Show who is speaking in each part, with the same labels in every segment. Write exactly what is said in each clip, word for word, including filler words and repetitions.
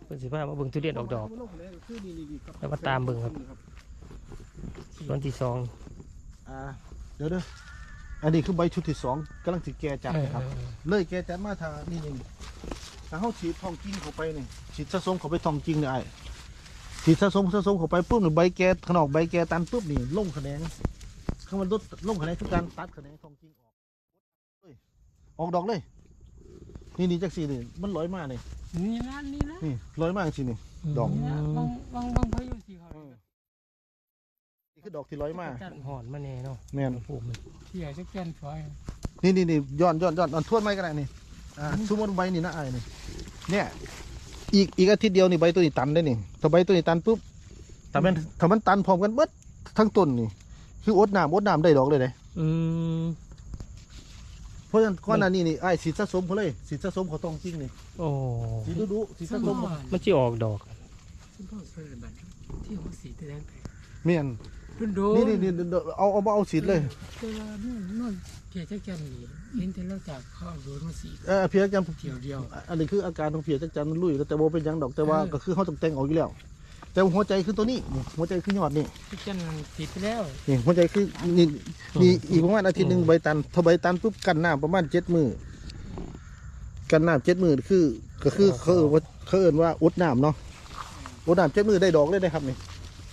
Speaker 1: เป็นสิบห้ามาเบิ่งทุเรียนออกดอกแล้วมาตามเบิ่งครับส่วนที่สอง
Speaker 2: อ่าเดี๋ยวเด้ออันนี้คือใบชุดที่สองกำลังสิแก่จัดนะครับเลยแก่จัดมาทางนี่นี่ถ้าเขาฉีดทองกิ้งเข้าไปนี่ฉีดสะสมเข้าไปทองกิ้งเนี่ยไอ้ฉีดสะสมสะสมเข้าไปปุ๊บนี่ใบแก่ขนอกใบแก่ตันปุ๊บนี่ลงแขนงข้างมันลดลงแขนงคือการตัดแขนงทองกิ้งออกออกดอกเลยนี่นี่จักสีนี่มันลอยมากเลย
Speaker 3: นี่นะนี่นะ
Speaker 2: นี่ลอยมากจริงนี่ดอก
Speaker 3: บางบางบางพายุสีเขา
Speaker 2: นี่คือดอกที่ลอยมาก
Speaker 1: หอนมาแน่เนาะ
Speaker 2: แม่น
Speaker 1: ผูกเลย
Speaker 3: ที่ใหญ่จะแก่นฝอย
Speaker 2: นี่นี่นี่ย้อนย้อนย้อนย้อนทวนไม้กันได้นี่อ่าสมมติใบนี่นะไอ้นี่เนี่ยอีกอีกอาทิตย์เดียวนี่ใบตัวนี้ตันได้นี่ถ้าใบตัวนี้ตันปุ๊บถ้ามันถ้ามันตันพร้อมกันเบิดทั้งต้นนี่คืออดน้ำอดน้ำได้ดอกเลยเลย
Speaker 1: อืม
Speaker 2: เพราะฉะนั้นก้อนนั้นนี่นี่ไอ้สีสะสมเขาเลยสีสะสมเขาต้องจริงนี่
Speaker 1: โอ้
Speaker 2: สีดูดูสีสะสม
Speaker 1: มันจะออกดอก
Speaker 3: ซึ่งพ่อเคยบันที่หัวสีแดง
Speaker 2: เมียนนี่นี่นี่เอาเอาเอาสีเลย
Speaker 3: เวลานู่นนู่นเพียจักจันนี่เห็นแต่เราจากข้าวโดนมาสี
Speaker 2: เออเพียจัน
Speaker 3: เดียวเดียว
Speaker 2: อันนี้คืออาการของเพียจักจันมันลุยแต่โบเป็นยังดอกแต่ว่าก็คือเขาต้องแต่งออกอยู่แล้วแต่หัวใจคือตัวนี้หัวใจคือยอดนี่
Speaker 3: จักจันติดไปแล้ว
Speaker 2: นี่หัวใจคือนี่นี่อีกประมาณอาทิตย์หนึ่งใบตันถ้าใบตันปุ๊บกันน้ำประมาณเจ็ดมือกันน้ำเจ็ดมือคือก็คือเขาเอ่ยเขาเอ่ยว่าอุดน้ำเนาะอุดน้ำเจ็ดมือได้ดอกได้ได้ครับนี่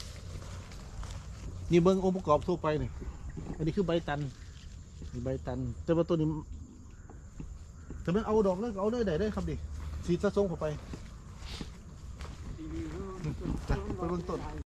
Speaker 2: นี่เบิ้งองค์ประกอบทั่วไปนี่อันนี้คือใบตันนี่ใบตันแต่ว่าตัวนี้แต่มันเอาดอกเลยเอาเลยได้ได้ครับดิสีสะสมเข้าไปไปเบื้องต้น